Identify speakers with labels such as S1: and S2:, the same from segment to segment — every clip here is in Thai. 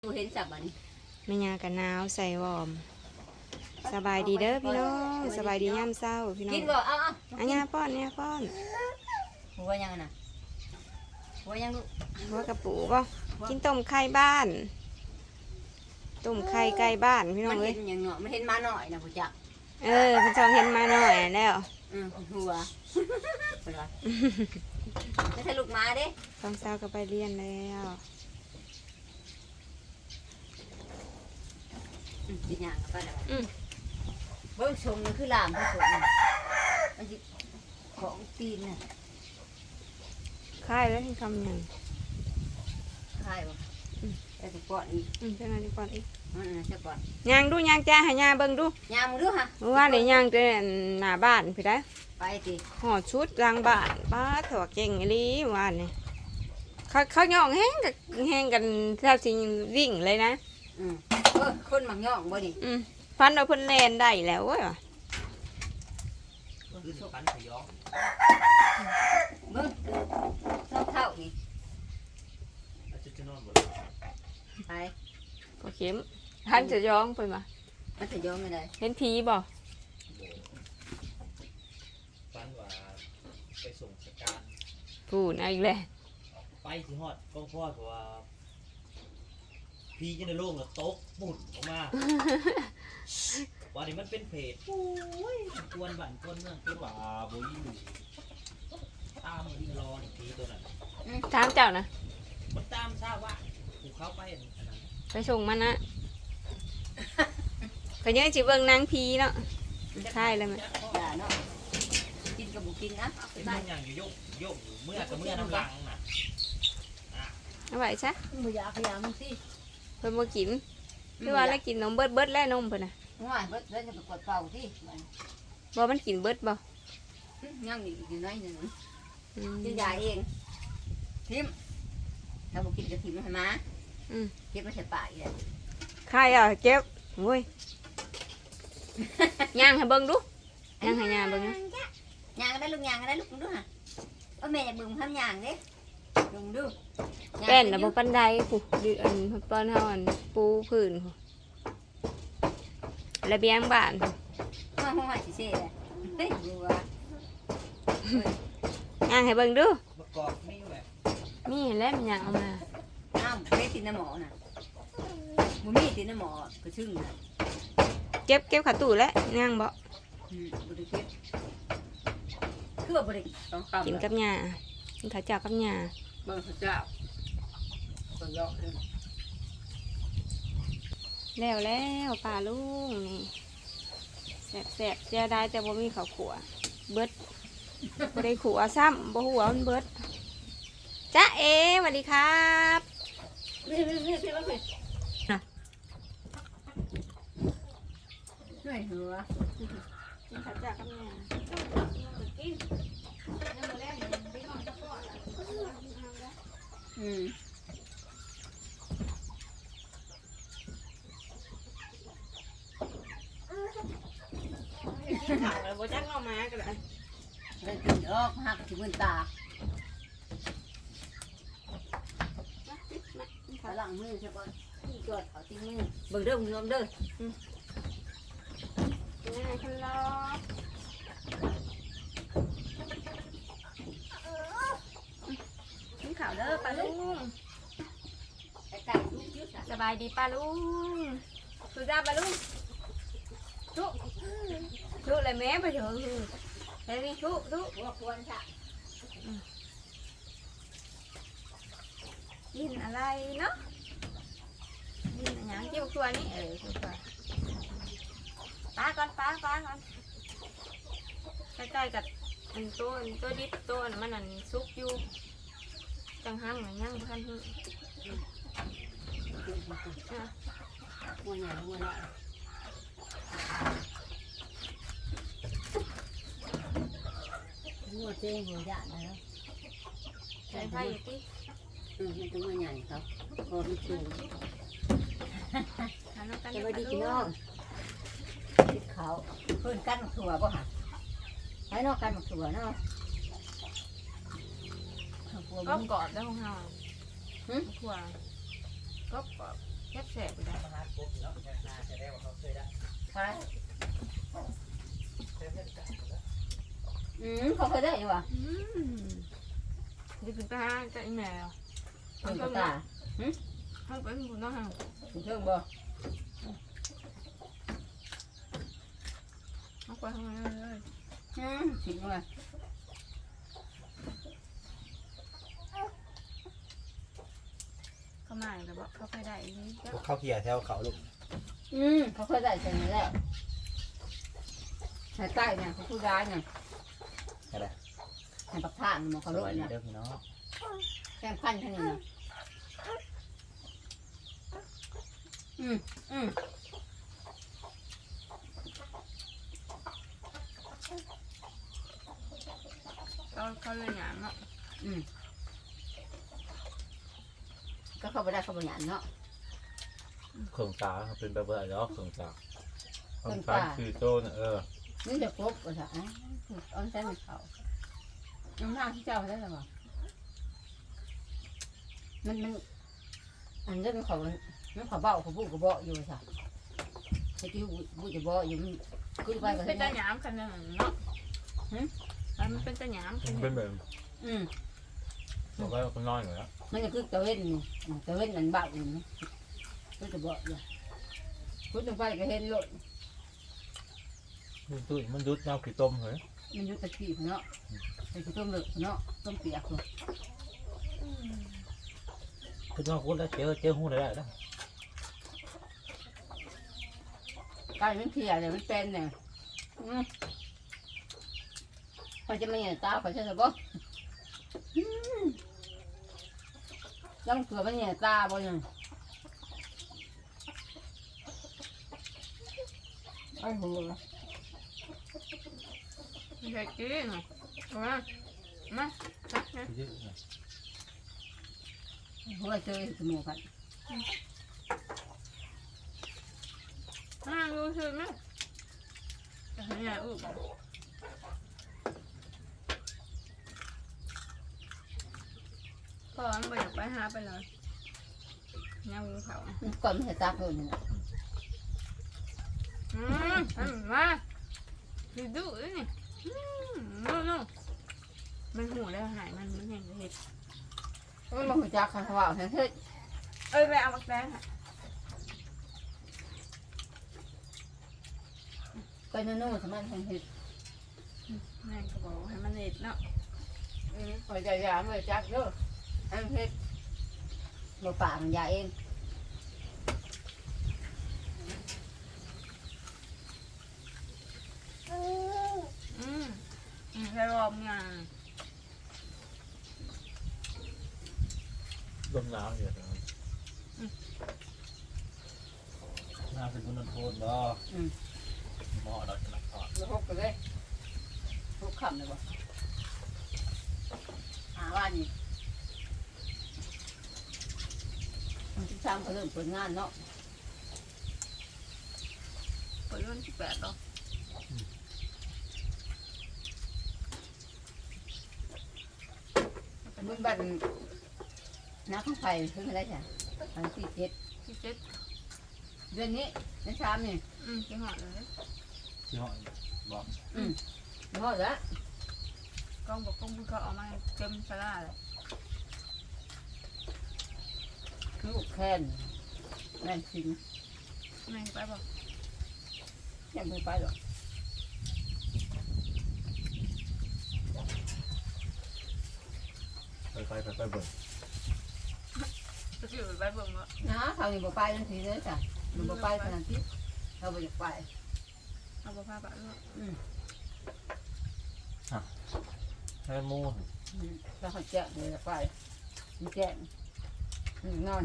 S1: ดูเห็นสับอันนี้
S2: ไม่ยากันหนาวใส่วอร์มสบายดีเด้อพี่น้องสบายดีย่ำเศร้าพี่น้อง
S1: กินบ่เอา
S2: อันนี้ป้อนเนี่ยป้อน
S1: หัวยังน่ะหัวยังลูก
S2: หัวกระปูป่ะกินต้มไข่บ้านต้มไข่ไก่บ้านพี่น้องเอ้ย
S1: มันเห็นอย่างเนาะมันเห็นมาหน่อยนะผู้จัก
S2: พี่จองเห็นมาหน่อยแล้ว
S1: หัวเป็นไรไม่ใช่ลูกมาเด้
S2: ตอนเช้าก็ไปเรียนแล้ว
S1: กินอย่างก็ได้เบิ้งชงมันคือลามที่สุดมันจะของตีนน่ะ
S2: ค่ายแล้วที่คำหนึ่ง
S1: ค่ายบ่แต่ถึงก่อนอีก
S2: ใช่ไหมที่ก่อนอีก
S1: ใช่ก่อน
S2: ยางดูยางจ้าให้ยางเบิ้งดู
S1: ยางมึงดูฮะ
S2: ว่าเดี๋ยวยางจะหน้าบ้านพี่ได้
S1: ไปสิ
S2: ห่อชุดรางบ้านป้าถั่วเก่งอีลีว่านี่เขาย่องแห้งกันแทบสิวิ่งเลยนะ
S1: คนหมักย่องบ่ดิ
S2: ฟันเราเพิ่นแลนได้แล้วเว้ย
S3: ฟันขยอง
S1: เบิ่งเท่านี่
S3: จะนอนบ่
S1: ไป
S2: ก็เข็มท่านจะย้องไปมา
S1: มันจะย้องไม่ได้
S2: เห็นผีบ่
S3: ฟันว่าไปส่งสการ
S2: พูดอีกแล้ว
S3: ไปสิฮอดกองพ่อเพราะว่าพีจะในโลกแล้วตกปุ่นออกมาว่านี่มันเป็นเพจโอ้ยกวนบ้านกวนเมืองคือว่าบ่อยู่ตามวิ่งรอผีตัวนั้น
S2: ถามเจ้านะ
S3: มันตามทราบว่าภูเขาไป
S2: ไปส่งมันนะก็ยังจิเบิ่งนางผีเนาะใช่เลยมั้ย
S1: ด่าเนาะกินกับบุกินนะ
S3: เป็นอย่างอยู่โยกเมื่อกับเมื่อน้ำลังน่ะ
S2: เอาไว้ซะ
S1: บ่อยากพยายามสิ
S2: เพิ่นบ่กินคือว่าแล้วกินนมเบิดแล้วนมเพิ่นน่ะ
S1: ง่ายเบิดแล้วจะไปกดเป่าสิ
S2: บ่มันกินเบิดบ่
S1: ยังอยู่น้อยนึงกินยาเองทิมถ้าบ่กินก็ทิมให้มาเก็บมาใส่ปากอีก
S2: ใครอ่ะเก็บโอ้ยย่างให้เบิ่งดูย่างให้ย่างเบิ่งนะ
S1: ย่างได้ลูกย่างได้ลูกดูฮะแม่อยากเบิ่งทำย่างเด้ลงดู
S2: เป็นน่ะบ่ปานใดผู้ดิอันป้อนเฮาอันปูพื้นผู้ระเบียงบ้าน
S1: ห้อยสิเซ่เฮ้ยดูว่า
S2: ย่างให้เบิ่งดู
S3: ประกอบมีแบบ
S2: มีแล้วมันย่างเอามา
S1: เฮ็ดตินน้ำหมอน่ะบ่มีตินน้ำหมอกระชึ่งน่ะ
S2: เก็บขาตู้แล้วย่างบ่
S1: บ่ได้เก็บคือว่าบ่ได้ต้องตำ
S2: กินกับหญ้ากินข้าวเจ้ากับหญ้า
S1: เบิ่งข้าวเจ้าเบิ่งยอก
S2: แล้วป้าลุงนี่แซ่บๆเสียดายแต่บ่มีข้าวขัวเบิดบ่ได้ขัวซ้ำบ่ฮู้ว่ามันเบิดจ๊ะเอสวัสดีครับ
S1: นี่เหนื่อยหัว
S2: กินข้าวเจ้ากับหญ้ากินแล้วมื้อแรกมันไปนอนกับพ่อกินข้าวแล้วบ่จักเอามาก็ได้
S1: ได้กินออกหักสิมื้อตาขลังมือใช่ป่ะที่จอดเขาตีมือเบิ่งเด้อคุณผู้ชมเด้อ
S2: ยังไงคันรอ
S1: กินข้าวเด้อป้าลุงไก่ลูกยุด
S2: สบายดีป้าลุงสุดาป้าลุงชุเลยแม่ไปเถอะเฮ้ยชุ
S1: หัวควรค่ะ
S2: กินอะไรเนาะกินอะไรเกี่ยวกับตัวนี้ป้าก่อนใกล้ๆกับอันตัวดิบตัวมันอันซุกอยู่จังหังหน่อยยังพันหัว
S1: ใหญ่หัวละหัวเจ๊หัวใหญ่แล้ว
S2: ใส่ไผ่ที่
S1: มันต้องหัวใหญ่เขาพอมันสูง
S2: สวัสดีพี่น้อง
S1: ติดเขาเพิ่นกันถั่วป่ะฮะให้นอกกันถั่วเนาะ
S2: ก็กอดได้ของเราถั่วก็กอดแสบไปได้
S3: มาหาปุ๊บเนาะนาจะได้ว่าเขาเคยได้
S1: ใช่
S3: เต็มได้กันแล้ว
S1: เขาเคยได้อยู่วะ
S2: จะกินไปหาจะอีแมว
S1: เพิ่งกระตา
S2: ห้องเป็นบุญน้องห่าง
S1: เพิ่งบ่
S2: ห้องไปห้องนั้นเลย
S1: สิมา
S2: เขามาแต่ว่าเขาไปได้นี่ก็
S3: พวกเข้าเกียร์แถวเขาลูก
S1: เขาเคยได้ใช่ไหมแล้วใส่ใต้เนี่ยเขาพูดร้ายเนี่ย
S3: อะไร
S1: ให้ปักท่านมัน
S3: ส
S1: เขาลด
S3: วัสดี
S1: เนี่ย
S3: เด้อพี่น้อง
S1: แกงพันทั้งนี้นะอืม
S2: เขาเลยหยามเนาะ
S1: ก็เข้าไปได้เข้าไปหยานเนาะ
S4: เครื่องตาเป็นแบบอะไรเนาะเครื่องตาเครื่องตาคือโจเนี่ย
S1: นี่จะครบก็จะเอาใช้ไม่เขาน้ำหน้าที่เจ้าได้หรือเปล่ามันอันนี้มันเขาเบาเขาบุกเขาเบาอยู่สิไอ้ที่บุกจะเบาอยู่มันคือไปก็
S2: เป็
S1: ได้
S2: นตาหยามขนาดนั้นเนาะมันเป็นตาหยามข
S4: มัน
S2: นาด
S4: เป็นแบบบอกว่าคนน้อยอยู่แล้ว
S1: มันจะคือตะเวนตะเวนนั่นเบาอยู่นะก็จะเบาอยู่คุณต้องไปก็เห็นโลด
S4: มันตุ้ยมันยุดน้ำขี้ต้มเหรอ
S1: มันอยู่ตะกี้เนาะไปคือต้มเหลือเนาะต้มเปียกเลย
S3: คุณว่าคุณแล้วเจอหูได้แล้ว
S1: กายมันเพียเลยมันเป็นเนี่ยเขาจะไม่เห็นตาเขาจะบอกยังเกือบไม่เห็นตาบ่ยังไอ้หัว
S2: ไม่ใช่กินมาจักนะ
S1: หัวเจอสมูกัน
S2: รู้สึกไหมแต่ขยันอุ้มพ่อมันไปอยากไปหาไปเลยย่างเขา
S1: ก่อนไม่เห็นตาเพิ่นนี่นะ
S2: มาดูดูนี่นู่นมันหูแล้วหายมันเห็นเห็ด
S1: มันมาหัวจักค่ะเขาว่าเฮ้ย
S2: เอ้ยไปเอาบักแดง
S1: ไปนู่นๆสมัยเห็ด
S2: แม่ก็บอกให้มันเห็ดเนาะ
S1: หัวใจยาหัวจักเด้อเห็ดบ่ป่ามันยาเอง
S2: แค่รอบงาน
S4: ลมหนาวอยู่นะ
S3: น่าเป็นคนนโทษบ่หม้อเราจะนักทอด
S1: แล้วพกไปเลยพกคำเลยบ่ว่านี่มันที่3ก็เริ่มเปิดงานเนาะ
S2: เปิดวันที่8หรอ
S1: บุญบัตรน้าข้างไฟเพิ่งได้จ้ะอันที่7
S2: ที่7
S1: เดือนนี้ในชามนี่
S2: ที่หอดเลย
S3: ที่ห้องบอก
S1: พอแล้ว
S2: กล้องบอกกล้องบุญเขาเอามาเต็มสลาเลย
S1: ลูกแคนแม่นสิง
S2: แม่ไปบอก
S1: ยังไม่ไปหรอก
S4: ไปเบิ่ง
S2: จะอยู่ไปเบิ่งว่า
S1: นะเขาอยู่บ่ไปทันทีเลยจ้ะอยู่บ่ไปขนาดที่เขาบ่อยากไป
S2: เอาผ้าปะด้วย
S4: ให้มู
S1: แล้วเขาแจ้งเลยไปมันแจ้งนอน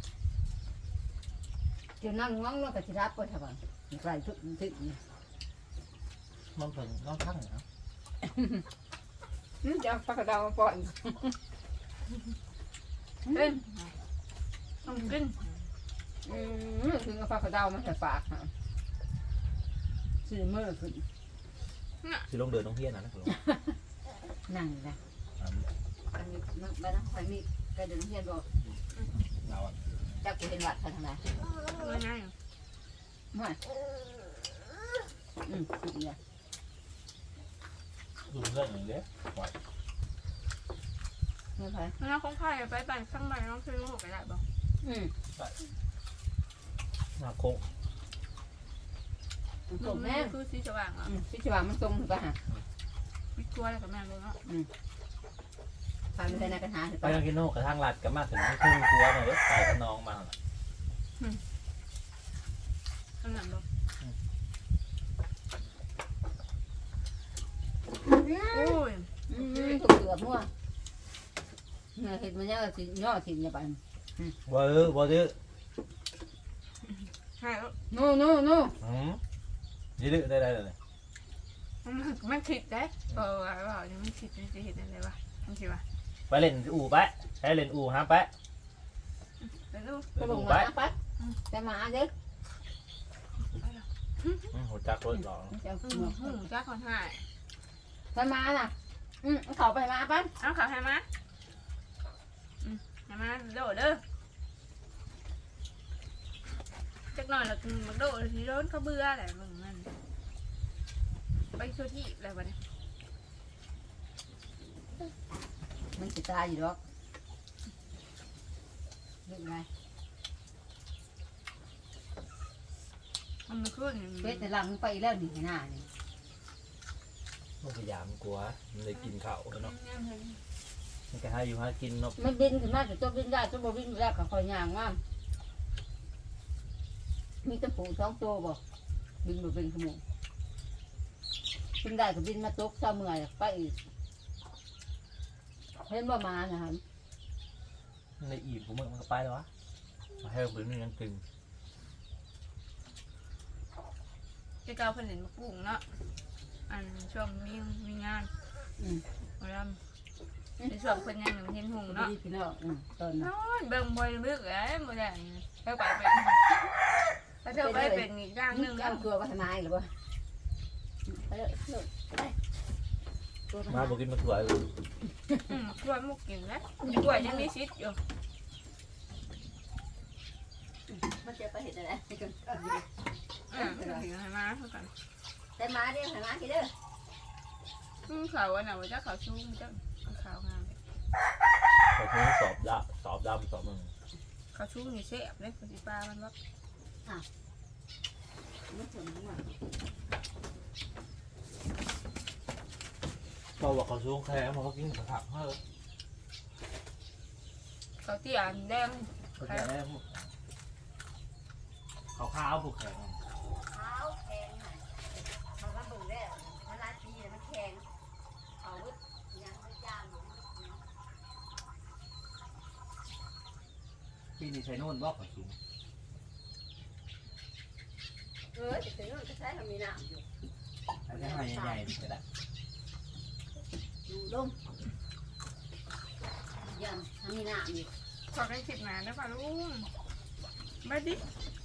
S1: เดี๋ยวนั่งง้องแล้วก็สิรับไปทำไมไปทุกทึก
S3: มันเป็นน้องทั้งนะ
S1: จะปากกระดาวมาปล่อย
S2: ขึ้นต้องขึ้น
S1: ถึงเอาปากกระดาวมาใส่ปากฮะซื้อมือขึ้น
S3: สิลงเดินต้องเฮียนะนะครับ
S1: นั่งนะอันนี้นั่งไปนะคอยมีกระเดินเฮียนบอก
S3: เราอ่ะ
S1: จักกูเห็นวัดทางไหน
S2: ง่าย
S1: ไม่สุดเลย
S4: ดูเรื่องอย่างเดียวปล่อย
S1: ไม่ไป
S2: ๆแล้วของไผ่ไปปั่นข้างในน้องคือลูกไปได้บ่
S4: มาโคก
S1: ส่งแม่
S2: คือสีสว่างอ่ะ
S1: พี่ชิวามันส่งถูกป่ะฮะ
S2: มีกลัวอะไรกับแม่เลยเนาะ
S1: พาไปในกระถางถูก
S4: ไป
S1: ป่ะ
S4: ยังกินโน่กระทั่งรัดกันมาถึงครึ่งตัวหน่อยไปกับน้องมา
S2: ข้างหลังบ่โอ้ย
S1: ถูกเกือบมั่วเห็นมันเนี่ยสิย่อสิเนี่ยไป
S4: บ่ดื้อ
S2: ใช่แล้ว
S1: นู่
S4: ยืดได้เลย
S2: มันคิดได้ว่ามันคิดจะเห็นอะไรวะมันคิดว่า
S4: ไปเล่นอู่ไปให้เล่นอู่ฮะไป
S2: แล้วลูก
S1: ก็ลงมาปั๊บแต่มาเด้อ
S4: หัวจักรรถหรอ
S1: จะ
S2: จ้าคนหาย
S1: แต่มาน่ะเขาไปมาปั๊บ
S2: เอาข่าวให้มาให้มาโดดเด้อจักหน่อยแล้วมันโดดทีโดนเขาเบื่อแหละมึงมันไปทั่วที่อะไรวะเนี่ย
S1: มันจะตายอยู่หรอกเรื่องไร
S2: มันไม่ขึ้น
S1: เป็ดในหลังไปแล้วหนีหน้านี่
S4: มันพยายามกลัวมันเลยกินข้าวเนาะมันก็ให้อยู่หากินเนาะ
S1: มันบินขึ้นมาจะตัวบินได้ตัวบินไม่ได้ก็คอยย่างว่ามีตะปูสองตัวบ่บินบ่เป็นขโมยบินได้ก็บินมาตกเช้าเมื่อยไปอีกเห็นว่ามานะครับ
S4: ในอีบผมมันก็ไปแล้ววะมาให้ผมยังตึง
S2: จะเกาผลิตมะกรูดเนาะอันช่วงมีงานมาลำในช่วงคนยังเห็นหง
S1: เนาะ
S2: เนาะ
S1: พี่น้องตอน
S2: นอนเบิ่งบ่อยลึกเอ้ยบ่ได้แล้วไปเป็นแล้วเธอไปเป็นอีกอย่างหนึง
S1: เอาตัวไปทำไมหรือว่าไปเลย
S4: มาบอกกินมาถั่วเลย
S2: กล้วยมุกกินนะกล้วยยังมีซิดอยู่
S1: มันจะไปเห็นอะไร
S2: ให้มาเท่ากัน
S1: แต่มาเด้อให้มากี่เด้อ
S2: เขาอันน่ะว่าจะเขาชุ่มจะเขางาม
S4: แต่ทีนี้สอบดำสอบมึง
S2: เขาชุ่มนี่เสียบเลยปฏิปลามันว่า
S1: ไม่ถึงมา
S4: เราบอกเขาช่วงแค่มาเขากินผักเฮ้ย
S2: เขาเตี้ยแดง
S4: เขาจะได้เขาข้าวผูกแขน
S1: เท้าแข็งมันก็บึงได้มันลายปีมันแข็งเอาวุ้ยังไม่จามอยู่
S3: ปีนี้ใช้โน่นบอกขอสูง
S1: จะถึงจะใช้ทำมีน้ำอยู่
S3: อันนี้ให้ใหญ่ๆนี่ก็ได้
S1: อยู่ลมยังทำมีน้ำอยู่
S2: ขอได้คิดมาได้ป่ะลุงมาดิ